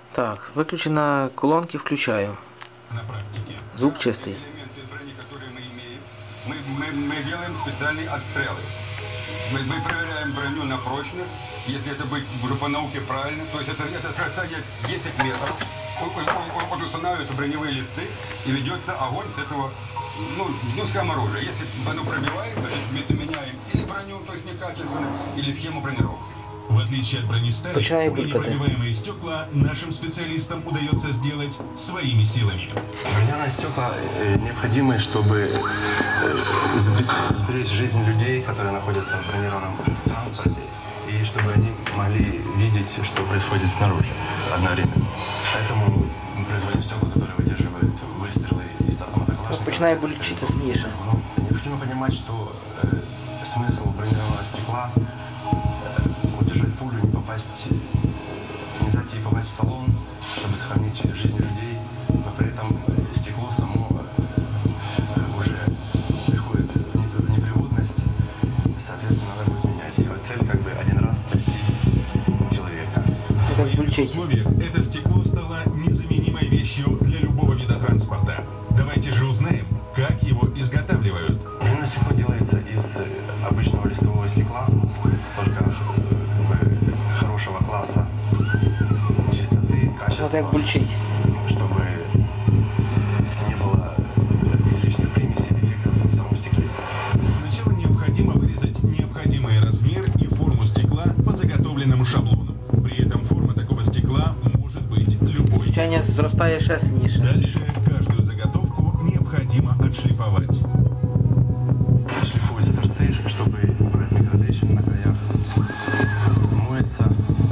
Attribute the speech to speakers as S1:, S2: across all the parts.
S1: Так, выключена колонки, включаю.
S2: На практике.
S1: Звук чистый.
S2: Элементы брони, которые мы имеем, мы делаем специальные отстрелы. Мы проверяем броню на прочность, если это будет уже по науке правильно, то есть это расстояние 10 метров, устанавливаются броневые листы и ведется огонь с этого, скажем, оружия. Если оно пробивает, то есть меняем или броню, то есть некачественно, или схему бронировки.
S3: В отличие от бронестали, непробиваемые стекла нашим специалистам удается сделать своими силами.
S4: Бронированные стекла необходимы, чтобы сберечь жизнь людей, которые находятся в бронированном транспорте, и чтобы они могли видеть, что происходит снаружи одновременно. Поэтому мы производим стекла, которые выдерживают выстрелы из автомата Калашникова.
S1: Починає болючити сильніше.
S4: Необходимо понимать, что смысл бронированного стекла удержать пулю, не дать ей попасть в салон, чтобы сохранить жизнь людей, но при этом стекло само уже приходит в непригодность, соответственно, надо будет менять. Его цель один раз спасти человека.
S3: В военных условиях это стекло стало незаменимой вещью для любого вида транспорта. Давайте же узнаем, как его изготавливают.
S4: Бронированное стекло делается из обычного листового стекла, только хорошего класса, чистоты, качества, чтобы не было излишних примесей, дефектов в самом стекле.
S3: Сначала необходимо вырезать необходимый размер и форму стекла по заготовленному шаблону. При этом форма такого стекла может быть любой.
S1: Включення зростає ще сильніше.
S3: Дальше каждую заготовку необходимо отшлифовать.
S4: Шлифуются торцы, чтобы убрать микротрещины на краях. Моется.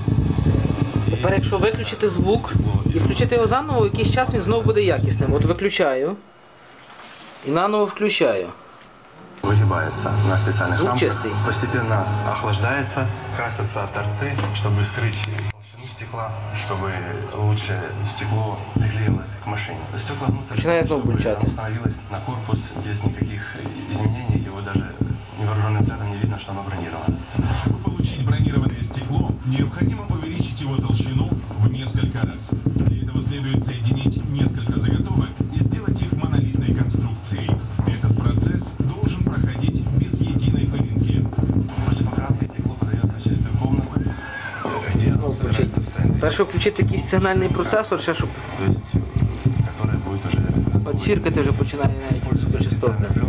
S1: Тепер, якщо виключити звук і включити його заново, якийсь час він знову буде якісним. От виключаю і наново включаю.
S4: Выгибается на специальных
S1: Звук
S4: рамках,
S1: чистый.
S4: постепенно охлаждается, красятся торцы, чтобы скрыть толщину стекла, чтобы лучше стекло приклеилось к машине. Стекла гнутся, чтобы оно становилось на корпус без никаких изменений, его даже невооруженным взглядом не видно, что оно бронировано.
S3: Чтобы получить бронированное стекло, необходимо увеличить его толщину в несколько раз. Для этого следует соединить несколько заготовок и сделать их монолитной конструкцией. Этот процесс должен проходить без единой пылинки.
S4: После покраски стекло подается в чистую комнату, где оно собирается в сэндвич.
S1: Перше включити якийсь сигнальний процесор, ще щоб
S4: То есть, который будет уже...
S1: от сіркати вже починає навіть суперчастотно.